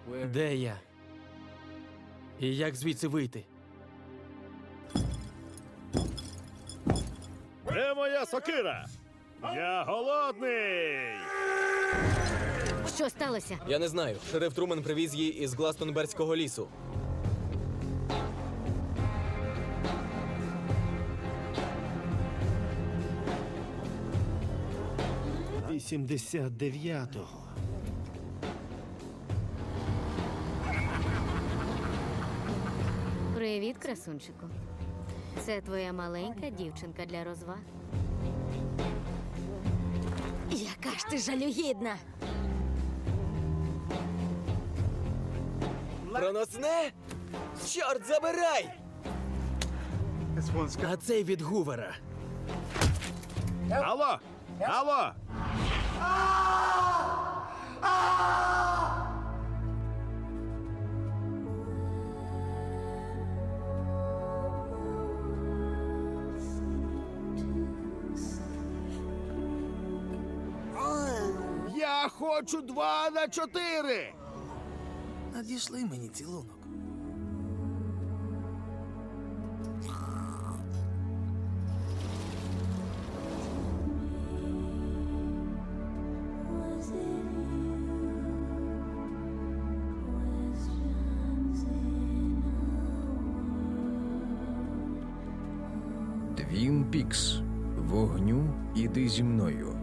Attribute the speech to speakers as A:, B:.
A: Де я? І як звідси вийти?
B: Де моя сокира? Я голодний!
C: Що сталося?
D: Я не знаю. Шериф Трумен привіз її із Гластонберзького лісу.
B: — 89-го.
C: Привіт, красунчику. Це твоя маленька дівчинка для розваг. Яка ж ти жалюгідна!
D: Проносне? Чорт забирай!
A: А цей від Гувера.
B: Алло! Алло! Я хочу 2 на 4!
E: Надійшли мені цілунок.
F: Твін Пікс. Вогню іди зі мною.